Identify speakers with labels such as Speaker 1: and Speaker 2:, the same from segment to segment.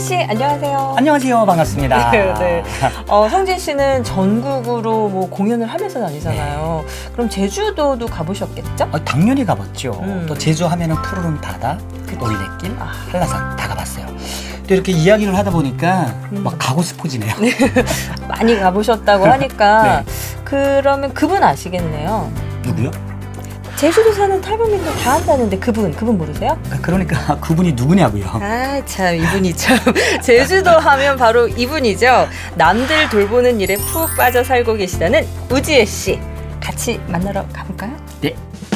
Speaker 1: 씨, 안녕하세요.
Speaker 2: 안녕하세요. 반갑습니다.
Speaker 1: 네. 성진 씨는 전국으로 뭐 공연을 하면서 다니잖아요. 그럼 제주도도 가보셨겠죠?
Speaker 2: 당연히 가봤죠. 또 제주 하면은 푸르른 바다, 올레길,
Speaker 1: 아.
Speaker 2: 한라산 다 가봤어요. 또 이렇게 이야기를 하다 보니까 막 가고 싶어지네요.
Speaker 1: 많이 가보셨다고 하니까
Speaker 2: 네.
Speaker 1: 그러면 그분 아시겠네요.
Speaker 2: 누구요?
Speaker 1: 제주도 사는 탈북민들 다 한다는데 그분 모르세요?
Speaker 2: 그러니까 그분이 누구냐고요.
Speaker 1: 아, 참 이분이 참 제주도 하면 바로 이분이죠. 남들 돌보는 일에 푹 빠져 살고 계시다는 우지혜 씨. 같이 만나러 가볼까요?
Speaker 2: 네.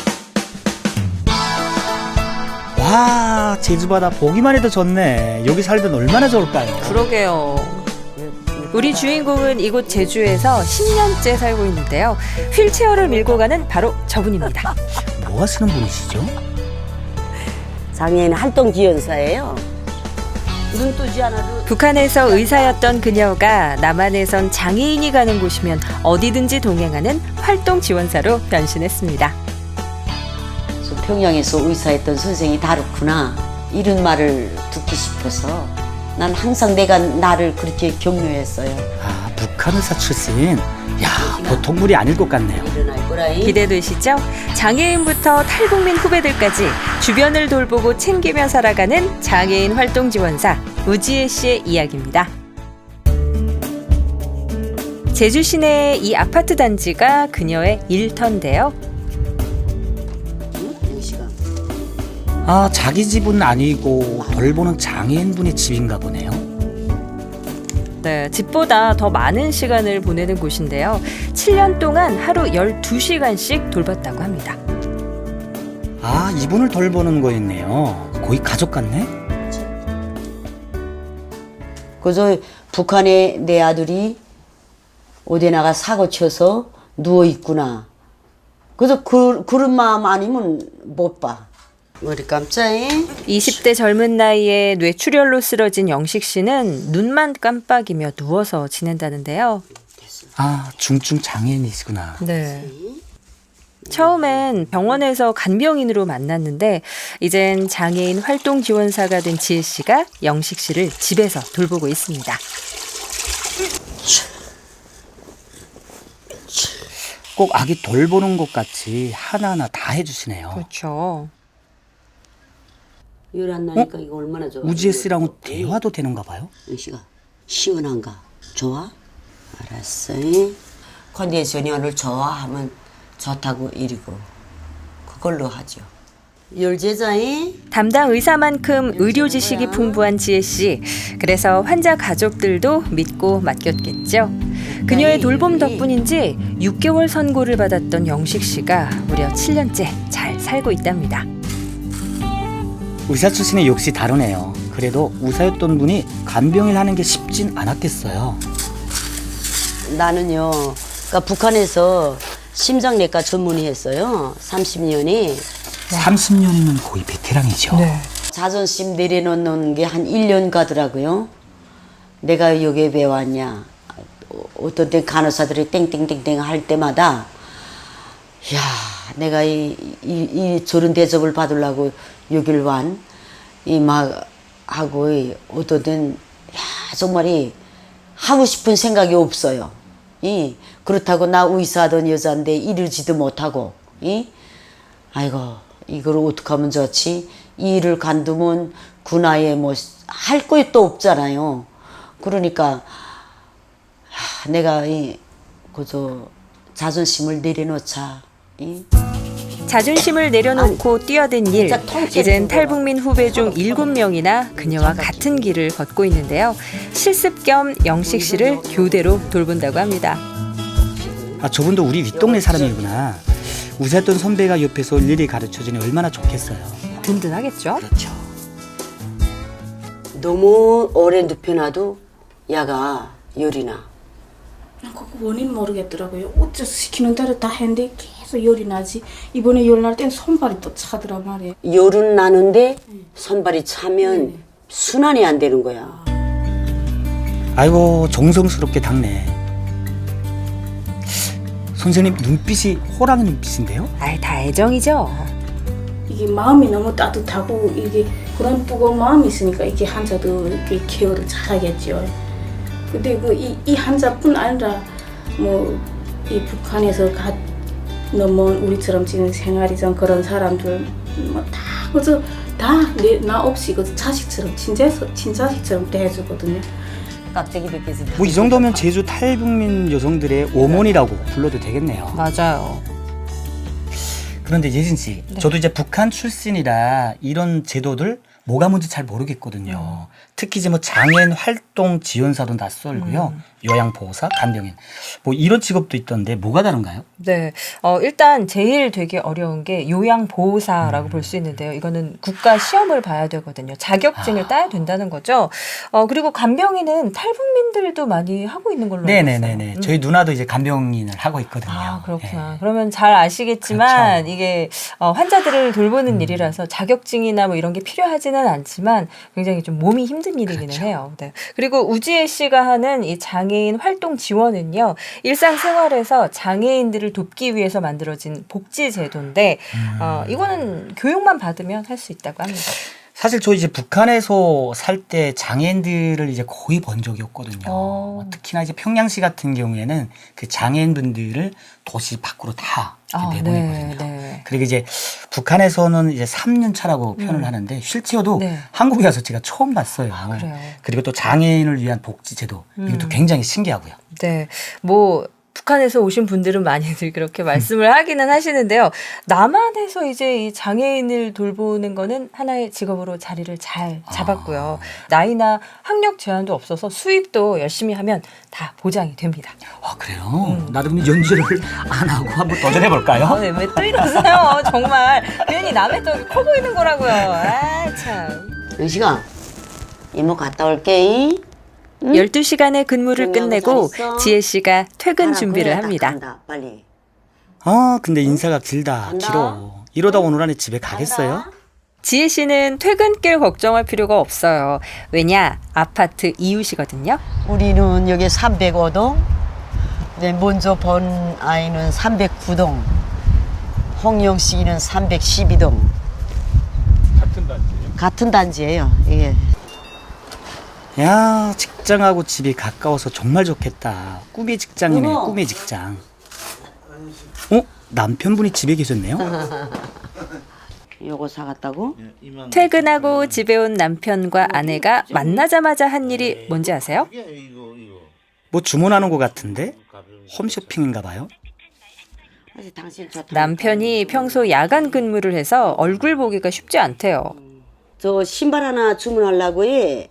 Speaker 2: 와, 제주바다 보기만 해도 좋네. 여기 살면 얼마나 좋을까요?
Speaker 1: 그러게요. 우리 주인공은 이곳 제주에서 10년째 살고 있는데요. 휠체어를 밀고 가는 바로 저분입니다.
Speaker 2: 뭐 하시는 분이시죠?
Speaker 3: 장애인 활동지원사예요. 눈 뜨지 않아도
Speaker 1: 북한에서 의사였던 그녀가 남한에선 장애인이 가는 곳이면 어디든지 동행하는 활동 지원사로 변신했습니다.
Speaker 3: 평양에서 의사했던 선생이 다르구나 이런 말을 듣고 싶어서 난 항상 내가 나를 그렇게 격려했어요.
Speaker 2: 아, 북한 의사 출신. 야, 보통 물이 아닐 것 같네요.
Speaker 3: 일어날 거라잉.
Speaker 1: 기대되시죠? 장애인부터 탈북민 후배들까지 주변을 돌보고 챙기며 살아가는 장애인 활동 지원사 우지혜 씨의 이야기입니다. 제주 시내의 이 아파트 단지가 그녀의 일터인데요.
Speaker 2: 아, 자기 집은 아니고 돌보는 장애인분의 집인가 보네요.
Speaker 1: 네, 집보다 더 많은 시간을 보내는 곳인데요. 7년 동안 하루 12시간씩 돌봤다고 합니다.
Speaker 2: 아, 이분을 돌보는 거였네요. 거의 가족 같네?
Speaker 3: 그래서 북한에 내 아들이 어디 나가 사고 쳐서 누워 있구나. 그래서 그런 마음 아니면 못 봐. 머리 깜짝이.
Speaker 1: 20대 젊은 나이에 뇌출혈로 쓰러진 영식 씨는 눈만 깜빡이며 누워서 지낸다는데요.
Speaker 2: 아, 중증 장애인이시구나.
Speaker 1: 네. 처음엔 병원에서 간병인으로 만났는데 이젠 장애인 활동 지원사가 된 지혜 씨가 영식 씨를 집에서 돌보고 있습니다.
Speaker 2: 꼭 아기 돌보는 것 같이 하나하나 다 해주시네요.
Speaker 1: 그렇죠.
Speaker 3: 열 안 나니까 이거 얼마나 좋아.
Speaker 2: 우지혜 씨랑은 대화도 되는가 봐요?
Speaker 3: 영식아 시원한가? 좋아? 알았어. 컨디션이 오늘 좋아 하면 좋다고 이리고 그걸로 하죠. 열제자이
Speaker 1: 담당 의사만큼 의료 지식이 풍부한 지혜 씨. 그래서 환자 가족들도 믿고 맡겼겠죠. 그녀의 돌봄 덕분인지 6개월 선고를 받았던 영식 씨가 무려 7년째 잘 살고 있답니다.
Speaker 2: 의사 출신의 역시 다르네요. 그래도 의사였던 분이 간병을 하는 게 쉽진 않았겠어요.
Speaker 3: 나는요. 그러니까 북한에서 심장내과 전문의 했어요. 30년이.
Speaker 2: 30년이면 거의 베테랑이죠.
Speaker 3: 자존심 내려놓는 게 한 1년 가더라고요. 내가 여기에 왜 왔냐. 어떤 때 간호사들이 땡땡땡땡 할 때마다 야, 내가 이 저런 대접을 받으려고 여길 완. 이 막 하고 어떤 때는 야, 정말이 하고 싶은 생각이 없어요. 그렇다고 나 의사하던 여자인데 이러지도 못하고 아이고 이걸 어떻게 하면 좋지? 이 일을 간두면 그 나이에 뭐 할 것도 없잖아요. 그러니까 내가 그저 자존심을 내려놓자.
Speaker 1: 자존심을 내려놓고 뛰어든 일.
Speaker 3: 진짜 통째로
Speaker 1: 이젠
Speaker 3: 들어가.
Speaker 1: 탈북민 후배 중 7명이나 그녀와 같은 길을 걷고 있는데요. 실습 겸 영식 씨를 교대로 돌본다고 합니다.
Speaker 2: 아, 저분도 우리 윗동네 사람이구나. 의사였던 선배가 옆에서 일일이 가르쳐주니 얼마나 좋겠어요.
Speaker 1: 든든하겠죠?
Speaker 2: 그렇죠.
Speaker 3: 너무 오래 눕혀놔도 야가 열이 나.
Speaker 4: 그거 원인 모르겠더라고요. 어째서 시키는 대로 다 했는데 계속 열이 나지. 이번에 열 날 땐 손발이 또 차더라 말이에요.
Speaker 3: 열은 나는데 손발이 차면 순환이 안 되는 거야.
Speaker 2: 아이고, 정성스럽게 닦네. 선생님 눈빛이 호랑이 눈빛인데요?
Speaker 1: 아이, 다 애정이죠.
Speaker 4: 이게 마음이 너무 따뜻하고 이게 그런 뜨거운 마음이 있으니까 이렇게 한자도 이렇게 케어를 잘하겠죠. 근데 이 한자뿐 아니라 뭐 이 북한에서 넘어온 우리처럼 지금 생활이전 그런 사람들 뭐다 그저 나 없이 그 자식처럼 친자식처럼 대해주거든요.
Speaker 3: 깍대기 벗겨서
Speaker 2: 뭐 이 정도면 제주 탈북민 여성들의 어머니라고 불러도 되겠네요.
Speaker 1: 맞아요.
Speaker 2: 그런데 예진 씨, 저도 이제 북한 출신이라 이런 제도들 뭐가 뭔지 잘 모르겠거든요. 특히 이제 뭐 장애인 활동 지원사도 낯설고요. 요양보호사, 간병인 뭐 이런 직업도 있던데 뭐가 다른가요?
Speaker 1: 네. 일단 제일 되게 어려운 게 요양보호사라고 볼 수 있는데요. 이거는 국가 시험을 봐야 되거든요. 자격증을 따야 된다는 거죠. 그리고 간병인은 탈북민들도 많이 하고 있는 걸로 알고 있어요.
Speaker 2: 네네네네. 저희 누나도 이제 간병인을 하고 있거든요.
Speaker 1: 아, 그렇구나.
Speaker 2: 네.
Speaker 1: 그러면 잘 아시겠지만
Speaker 2: 그렇죠.
Speaker 1: 이게 환자들을 돌보는 일이라서 자격증이나 뭐 이런 게 필요하지는 않지만 굉장히 좀 몸이 힘든 일이기는
Speaker 2: 그렇죠.
Speaker 1: 해요. 네. 그리고 우지혜 씨가 하는 이 장애인 활동 지원은요. 일상생활에서 장애인들을 돕기 위해서 만들어진 복지 제도인데 이거는 교육만 받으면 할 수 있다고 합니다.
Speaker 2: 사실 저 이제 북한에서 살 때 장애인들을 이제 거의 본 적이 없거든요. 특히나 이제 평양시 같은 경우에는 그 장애인분들을 도시 밖으로 다 내보내거든요.
Speaker 1: 네.
Speaker 2: 그리고 이제 북한에서는 이제 3년 차라고 표현을 하는데 실제로도
Speaker 1: 네.
Speaker 2: 한국에 와서 제가 처음 봤어요.
Speaker 1: 그래요.
Speaker 2: 그리고 또 장애인을 위한 복지 제도 이것도 굉장히 신기하고요.
Speaker 1: 네. 뭐 북한에서 오신 분들은 많이들 그렇게 말씀을 하기는 하시는데요. 남한에서 이제 이 장애인을 돌보는 거는 하나의 직업으로 자리를 잘 잡았고요. 나이나 학력 제한도 없어서 수입도 열심히 하면 다 보장이 됩니다.
Speaker 2: 아 그래요? 나도 그럼 연주를 안 하고 한번 도전해 볼까요?
Speaker 1: 네, 왜 또 이러세요? 정말 괜히 남의 떡이 커 보이는 거라고요. 아 참.
Speaker 3: 영식아, 이모 갔다 올게.
Speaker 1: 12시간의 근무를
Speaker 3: 건강하고
Speaker 1: 끝내고
Speaker 3: 잘 있어.
Speaker 1: 지혜 씨가 퇴근
Speaker 3: 가라,
Speaker 1: 준비를
Speaker 3: 그래, 딱
Speaker 1: 합니다.
Speaker 3: 간다, 빨리.
Speaker 2: 아 근데 인사가 길다
Speaker 3: 간다.
Speaker 2: 길어. 이러다 오늘 안에 집에 가겠어요?
Speaker 3: 간다.
Speaker 1: 지혜 씨는 퇴근길 걱정할 필요가 없어요. 왜냐? 아파트 이웃이거든요.
Speaker 3: 우리는 여기 305동, 먼저 본 아이는 309동, 홍영식이는 312동. 같은 단지예요. 예.
Speaker 2: 야 직장하고 집이 가까워서 정말 좋겠다. 꿈의 직장이네.
Speaker 3: 어머.
Speaker 2: 꿈의 직장. 남편분이 집에 계셨네요?
Speaker 3: 요거 사갔다고?
Speaker 1: 퇴근하고 집에 온 남편과 아내가 만나자마자 한 일이 뭔지 아세요?
Speaker 2: 뭐 주문하는 것 같은데? 홈쇼핑인가 봐요?
Speaker 3: 당신 좋다.
Speaker 1: 남편이 평소 야간 근무를 해서 얼굴 보기가 쉽지 않대요.
Speaker 3: 저 신발 하나 주문하려고 해.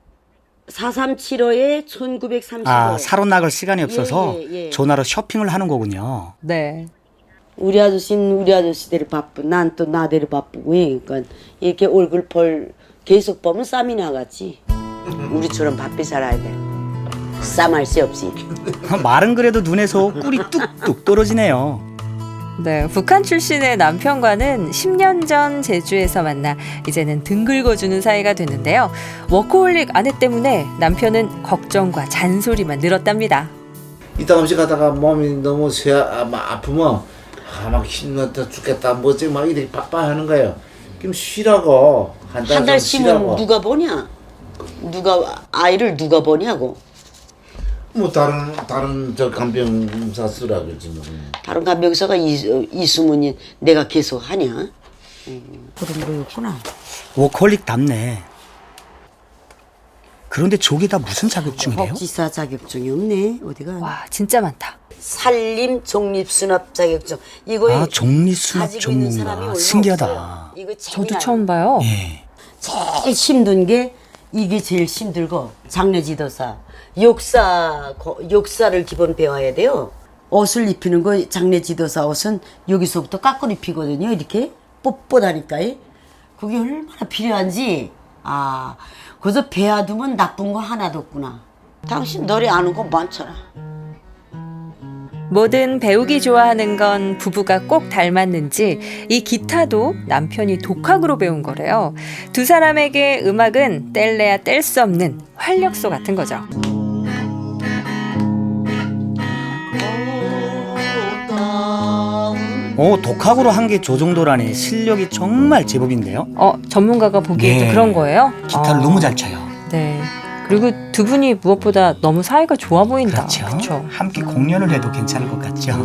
Speaker 3: 4375에 1935에.
Speaker 2: 아 사러 나갈 시간이 없어서
Speaker 3: 예.
Speaker 2: 전화로 쇼핑을 하는 거군요.
Speaker 1: 네.
Speaker 3: 우리 아저씨는 우리 아저씨대로 바쁘. 난 또 나대로 바쁘고. 그러니까 이렇게 얼굴 계속 보면 쌈이 나갔지. 우리처럼 바삐 살아야 돼. 쌈할 새 없이.
Speaker 2: 말은 그래도 눈에서 꿀이 뚝뚝 떨어지네요.
Speaker 1: 네, 북한 출신의 남편과는 10년 전 제주에서 만나 이제는 등 긁어주는 사이가 됐는데요. 워커홀릭 아내 때문에 남편은 걱정과 잔소리만 늘었답니다.
Speaker 5: 이따금씩 가다가 몸이 너무 아프면 막 힘들다 죽겠다 뭐지 막 이렇게 바빠하는 거예요. 그럼 쉬라고 한
Speaker 3: 한 달
Speaker 5: 달
Speaker 3: 쉬면
Speaker 5: 쉬라고.
Speaker 3: 누가 보냐? 아이를 누가 보냐고.
Speaker 5: 뭐 다른 저 간병사 쓰라 그러지 뭐.
Speaker 3: 다른 간병사가 있으면 내가 계속 하냐? 그런 거였구나.
Speaker 2: 워커홀릭답네. 그런데 저게 다 무슨 자격증이래요?
Speaker 3: 복지사 자격증이 없네. 어디가?
Speaker 1: 와, 진짜 많다.
Speaker 3: 산림 독립수납 자격증. 이거에
Speaker 2: 아 정리수납
Speaker 3: 가지고 있는 사람이
Speaker 2: 전문가.
Speaker 3: 얼마
Speaker 2: 신기하다.
Speaker 3: 없어요. 이거
Speaker 1: 저도
Speaker 3: 재미나요.
Speaker 1: 처음 봐요.
Speaker 2: 예.
Speaker 3: 제일 힘든 게 이게 제일 힘들고 장례지도사 역사를 기본 배워야 돼요. 옷을 입히는 거 장례지도사 옷은 여기서부터 깎고 입히거든요. 이렇게 뻣뻣하니까 그게 얼마나 필요한지 그래서 배워두면 나쁜 거 하나도 없구나. 당신 노래 아는 거 많잖아.
Speaker 1: 뭐든 배우기 좋아하는 건 부부가 꼭 닮았는지 이 기타도 남편이 독학으로 배운 거래요. 두 사람에게 음악은 뗄래야 뗄 수 없는 활력소 같은 거죠.
Speaker 2: 독학으로 한 게 저 정도라니 실력이 정말 제법인데요.
Speaker 1: 전문가가 보기에도
Speaker 2: 네.
Speaker 1: 그런 거예요?
Speaker 2: 기타를 너무 잘 쳐요.
Speaker 1: 네. 그리고 두 분이 무엇보다 너무 사이가 좋아 보인다.
Speaker 2: 그렇죠.
Speaker 1: 그쵸?
Speaker 2: 함께 공연을 해도 괜찮을 것 같죠.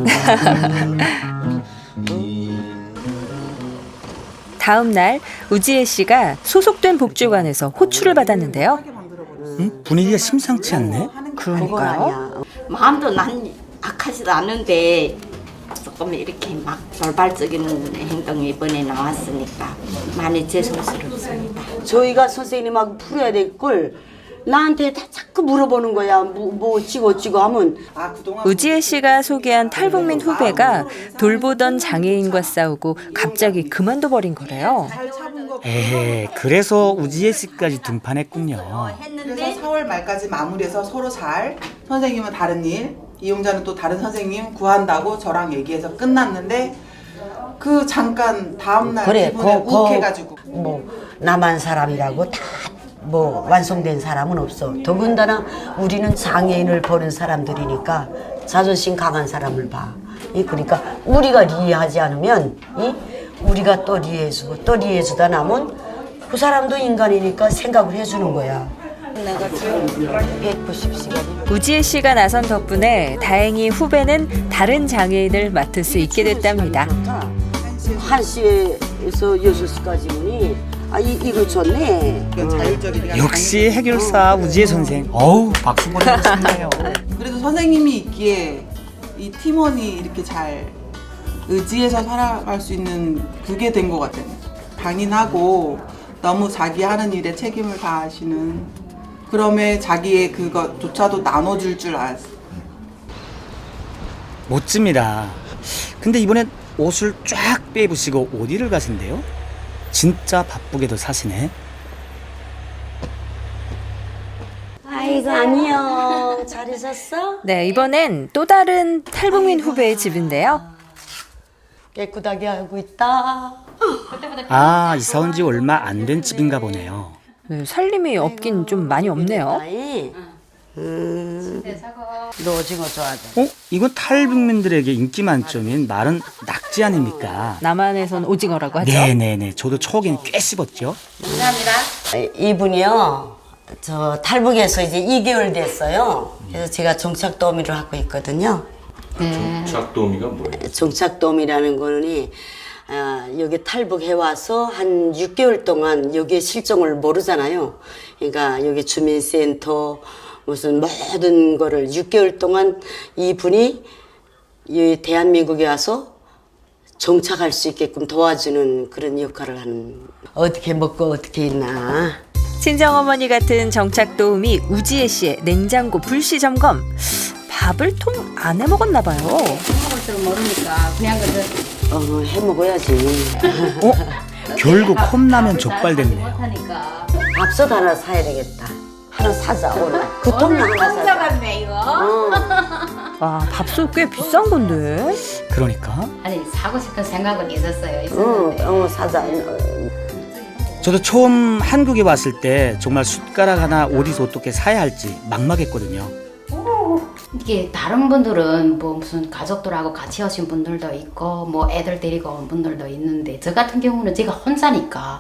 Speaker 1: 다음 날 우지혜 씨가 소속된 복지관에서 호출을 받았는데요.
Speaker 2: 분위기가 심상치 않네.
Speaker 3: 그건 아니야.
Speaker 6: 마음도 난 악하지도 않은데 조금 이렇게 막 돌발적인 행동이 이번에 나왔으니까 많이 죄송스럽습니다.
Speaker 3: 저희가 선생님하고 풀어야 될 걸 나한테 다 자꾸 물어보는 거야. 뭐 어찌고 하면
Speaker 1: 우지혜 씨가 소개한 탈북민 후배가 돌보던 장애인과 싸우고 갑자기 그만둬 버린 거래요.
Speaker 2: 에헤, 그래서 우지혜 씨까지 등판했군요.
Speaker 7: 그래서 4월 말까지 마무리해서 서로 잘 선생님은 다른 일, 이용자는 또 다른 선생님 구한다고 저랑 얘기해서 끝났는데 그 잠깐 다음날
Speaker 3: 그래,
Speaker 7: 기분에 욱해가지고
Speaker 3: 뭐 나만 사람이라고 다 뭐 완성된 사람은 없어. 더군다나 우리는 장애인을 보는 사람들이니까 자존심 강한 사람을 봐. 그러니까 우리가 리해하지 않으면 우리가 또 리해해주고 또 리해해주다 나면 그 사람도 인간이니까 생각을 해주는 거야. 내가 지금 190시간이
Speaker 1: 우지혜 씨가 나선 덕분에 다행히 후배는 다른 장애인을 맡을 수 있게 됐답니다.
Speaker 3: 1시에서 6시까지니 이거 좋네.
Speaker 7: 자율적이니까
Speaker 2: 역시 해결사 우지혜 선생. 어우, 박수 보내고 싶네요.
Speaker 7: 그래도 선생님이 있기에 이 팀원이 이렇게 잘 의지해서 살아갈 수 있는 그게 된 것 같아요. 강인하고 너무 자기 하는 일에 책임을 다하시는 그럼에 자기의 그것조차도 나눠줄 줄 알았어요.
Speaker 2: 멋집니다. 근데 이번엔 옷을 쫙 빼입으시고 어디를 가신대요? 진짜 바쁘게도 사시네.
Speaker 3: 아이고 안녕. 잘 있었어?
Speaker 1: 네, 이번엔 또 다른 탈북민 후배의 집인데요.
Speaker 3: 깨끗하게 하고 있다.
Speaker 2: 아, 이사 온 지 얼마 안 된 집인가 보네요.
Speaker 1: 네, 살림이 없긴 좀 많이 없네요.
Speaker 3: 너 오징어 좋아하잖아.
Speaker 2: 이건 탈북민들에게 인기 만점인 마른 낙지 아닙니까?
Speaker 1: 남한에선 오징어라고 하죠.
Speaker 2: 네네네. 저도 초기엔 꽤 씹었죠.
Speaker 3: 이분이요. 저 탈북에서 이제 2개월 됐어요. 그래서 제가 종착도우미를 하고 있거든요.
Speaker 8: 종착도우미가 뭐예요?
Speaker 3: 종착도우미라는 거는 여기 탈북해 와서 한 6개월 동안 여기에 실종을 모르잖아요. 그러니까 여기 주민센터 무슨 모든 거를 6개월 동안 이분이 이 대한민국에 와서 정착할 수 있게끔 도와주는 그런 역할을 하는. 어떻게 먹고 어떻게 있나.
Speaker 1: 친정어머니 같은 정착 도우미 우지혜 씨의 냉장고 불시 점검. 밥을 통 안 해 먹었나 봐요.
Speaker 6: 먹을 줄 모르니까 그냥
Speaker 3: 해 먹어야지.
Speaker 2: 결국 컵라면 족발됐네요.
Speaker 6: 못하니까.
Speaker 3: 밥솥 하나 사야 되겠다. 하나 사자 오늘. 그 통로 하나 사자.
Speaker 6: 같네 이거.
Speaker 1: 와, 밥솥 꽤 비싼 건데.
Speaker 2: 그러니까
Speaker 6: 아니 사고 싶은 생각은 있었는데.
Speaker 3: 사자.
Speaker 2: 저도 처음 한국에 왔을 때 정말 숟가락 하나 어디서 어떻게 사야 할지 막막했거든요.
Speaker 9: 이게 다른 분들은 뭐 무슨 가족들하고 같이 오신 분들도 있고 뭐 애들 데리고 온 분들도 있는데 저 같은 경우는 제가 혼자니까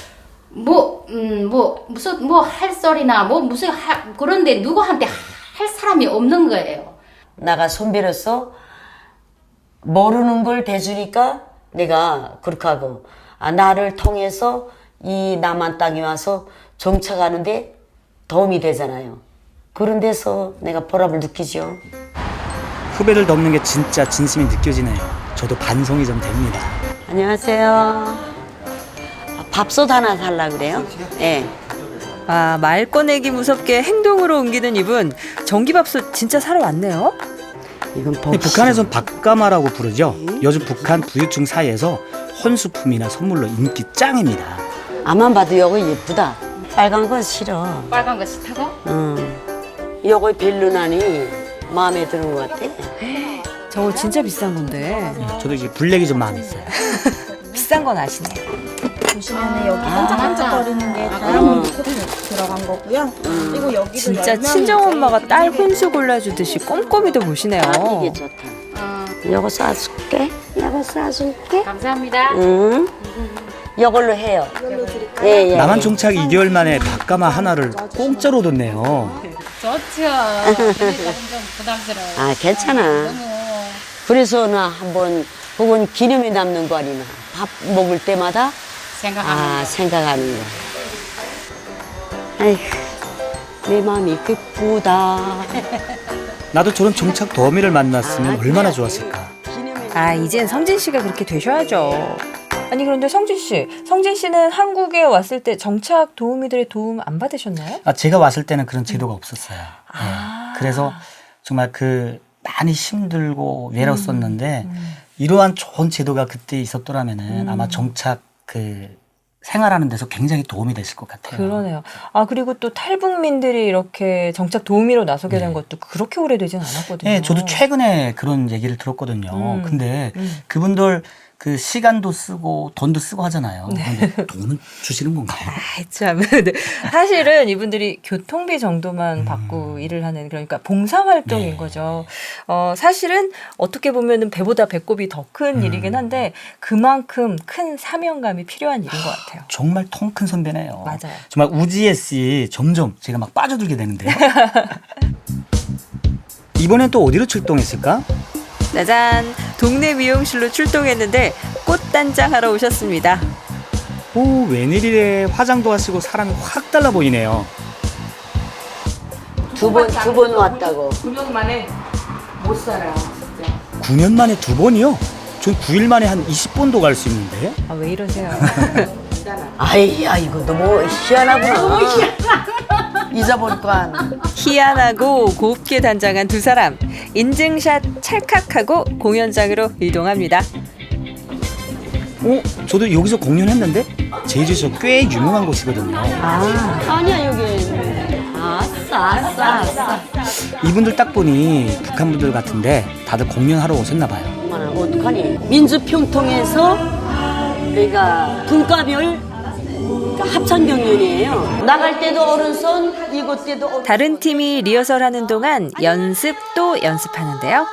Speaker 9: 무슨 할 소리나 그런데 누구한테 할 사람이 없는 거예요.
Speaker 3: 나가 손빌어서 모르는 걸 대주니까 내가 그렇게 하고 나를 통해서 이 남한 땅에 와서 정착하는데 도움이 되잖아요. 그런 데서 내가 보람을 느끼죠.
Speaker 2: 후배를 돕는 게 진짜 진심이 느껴지네요. 저도 반성이 좀 됩니다.
Speaker 3: 안녕하세요. 밥솥 하나 살라 그래요? 네.
Speaker 1: 아, 말 꺼내기 무섭게 행동으로 옮기는 이분. 전기밥솥 진짜 사러 왔네요.
Speaker 3: 이건
Speaker 2: 북한에선 밥가마라고 부르죠. 요즘 북한 부유층 사이에서 혼수품이나 선물로 인기 짱입니다.
Speaker 3: 앞만 봐도 요거 예쁘다. 빨간 건 싫어.
Speaker 9: 빨간 거 싫다고?
Speaker 3: 요거 벨루나니 마음에 드는 것 같아.
Speaker 1: 저거 진짜 비싼 건데.
Speaker 2: 저도 이제 블랙이 좀 마음에 있어요.
Speaker 1: 비싼 건 아시네요.
Speaker 10: 보시면은 여기 반짝반짝거리는 게 다이아몬드 코팅 들어간 거고요. 그리고 여기도
Speaker 1: 진짜
Speaker 10: 열명이
Speaker 1: 친정엄마가
Speaker 10: 제일
Speaker 1: 딸 혼수 골라주듯이 꼼꼼히도 보시네요.
Speaker 3: 이게 좋다. 요거 쏴줄게. 내가 싸줄게.
Speaker 9: 감사합니다.
Speaker 3: 응. 이걸로 해요.
Speaker 10: 이걸로 드릴까요?
Speaker 3: 예.
Speaker 2: 남한 정착 2개월 만에 밥가마 하나를 공짜로 뒀네요.
Speaker 9: 좋죠. 그러니까 좀 부담스러워.
Speaker 3: 아, 괜찮아. 그래서 나 한번 혹은 기념이 남는 거 아니나 밥 먹을 때마다 생각하는 거. 아이고, 내 마음이 기쁘다.
Speaker 2: 나도 저런 정착 더미를 만났으면 얼마나 좋았을까.
Speaker 1: 아, 이젠 성진 씨가 그렇게 되셔야죠. 아니 그런데 성진 씨는 한국에 왔을 때 정착 도우미들의 도움 안 받으셨나요?
Speaker 2: 제가 왔을 때는 그런 제도가 없었어요. 네. 그래서 정말 많이 힘들고 외로웠었는데 이러한 좋은 제도가 그때 있었더라면은 아마 정착 생활하는 데서 굉장히 도움이 됐을 것 같아요.
Speaker 1: 그러네요. 아, 그리고 또 탈북민들이 이렇게 정착 도우미로 나서게 된 것도 그렇게 오래되진 않았거든요.
Speaker 2: 네, 저도 최근에 그런 얘기를 들었거든요. 근데 그분들 시간도 쓰고 돈도 쓰고 하잖아요. 근데 돈은 주시는 건가요?
Speaker 1: 아, 참. 사실은 이분들이 교통비 정도만 받고 일을 하는, 그러니까 봉사활동인 거죠. 사실은 어떻게 보면은 배보다 배꼽이 더 큰 일이긴 한데 그만큼 큰 사명감이 필요한 일인 것 같아요.
Speaker 2: 정말 통 큰 선배네요.
Speaker 1: 맞아요.
Speaker 2: 정말 우지혜 씨 점점 제가 막 빠져들게 되는데요. 이번엔 또 어디로 출동했을까?
Speaker 1: 짜잔! 동네 미용실로 출동했는데 꽃단장 하러 오셨습니다.
Speaker 2: 오, 웬일이래. 화장도 하시고 사람이 확 달라 보이네요.
Speaker 3: 두 번 왔다고.
Speaker 9: 9년 만에 못 살아. 진짜.
Speaker 2: 9년 만에 2번이요? 전 9일 만에 한 20번도 갈 수 있는데.
Speaker 1: 아, 왜 이러세요?
Speaker 3: 아이야, 이거 너무 희한하구나. 잊어버릴까.
Speaker 1: 희한하고 곱게 단장한 두 사람. 인증샷 찰칵하고 공연장으로 이동합니다.
Speaker 2: 저도 여기서 공연했는데 제주에서 꽤 유명한 곳이거든요.
Speaker 3: 아니야, 여기. 아싸.
Speaker 2: 이분들 딱 보니 북한 분들 같은데 다들 공연하러 오셨나 봐요.
Speaker 3: 어떡하니? 민주평통에서 그러니까 분과별 합창경연이에요. 나갈 때도 어른선, 이곳 때도 어른선.
Speaker 1: 다른 팀이 리허설하는 동안 연습 또 연습하는데요.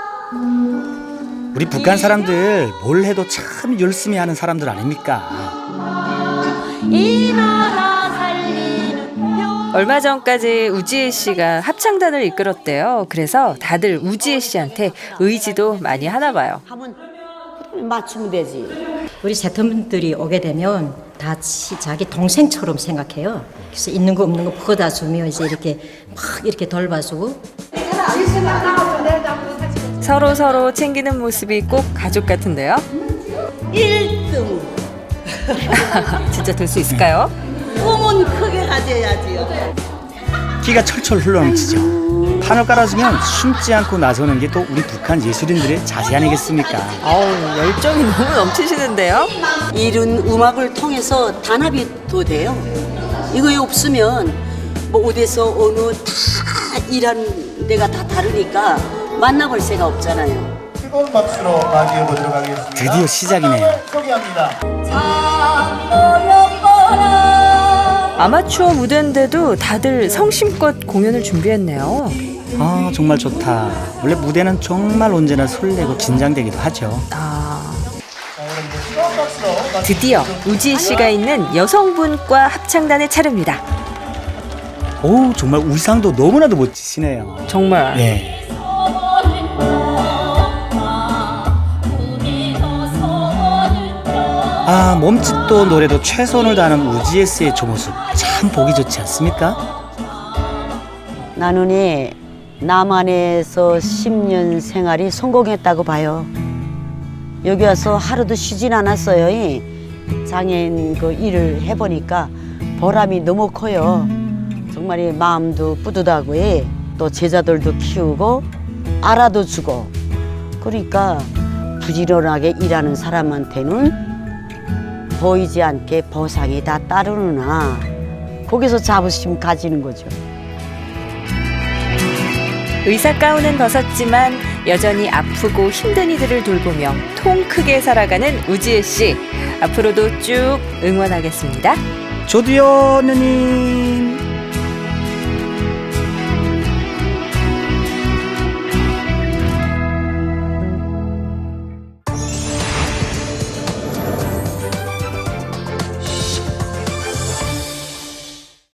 Speaker 2: 우리 북한 사람들 뭘 해도 참 열심히 하는 사람들 아닙니까?
Speaker 3: 이 나라 살리는 별.
Speaker 1: 얼마 전까지 우지혜 씨가 합창단을 이끌었대요. 그래서 다들 우지혜 씨한테 의지도 많이 하나 봐요.
Speaker 3: 하면 맞추면 되지.
Speaker 11: 우리 세터분들이 오게 되면 다 자기 동생처럼 생각해요. 그래서 있는 거 없는 거 퍼다 주며 이제 이렇게 막 이렇게 돌봐주고.
Speaker 1: 서로 챙기는 모습이 꼭 가족 같은데요.
Speaker 3: 1등.
Speaker 1: 진짜 될 수 있을까요?
Speaker 3: 꿈은 크게 가져야지요.
Speaker 2: 기가 철철 흘러넘치죠. 판을 깔아주면 숨지 않고 나서는 게 또 우리 북한 예술인들의 자세 아니겠습니까?
Speaker 1: 어우, 열정이 너무 넘치시는데요.
Speaker 3: 이런 음악을 통해서 단합이 더 돼요. 이거 없으면 뭐 어디서 어느 다 일하는 데가 다 다르니까 만나볼 새가 없잖아요.
Speaker 12: 뜨거운 박수로 맞이해보도록 하겠습니다.
Speaker 2: 드디어 시작이네요.
Speaker 12: 소개합니다.
Speaker 1: 아마추어 무대인데도 다들 성심껏 공연을 준비했네요.
Speaker 2: 아, 정말 좋다. 원래 무대는 정말 언제나 설레고 긴장되기도 하죠.
Speaker 1: 드디어 우지혜 씨가 있는 여성분과 합창단의 차례입니다.
Speaker 2: 오, 정말 의상도 너무나도 멋지시네요.
Speaker 1: 정말.
Speaker 2: 네. 아, 몸짓도 노래도 최선을 다하는 우지혜 씨의 저 모습 참 보기 좋지 않습니까?
Speaker 3: 나는 남한에서 10년 생활이 성공했다고 봐요. 여기 와서 하루도 쉬진 않았어요. 장애인 그 일을 해보니까 보람이 너무 커요. 정말 마음도 뿌듯하고 또 제자들도 키우고 알아도 주고 그러니까 부지런하게 일하는 사람한테는 보이지 않게 보상이 다 따르느나 거기서 자부심 가지는 거죠.
Speaker 1: 의사 가운은 벗었지만 여전히 아프고 힘든 이들을 돌보며 통 크게 살아가는 우지혜 씨. 앞으로도 쭉 응원하겠습니다.
Speaker 2: 저도요, 누님.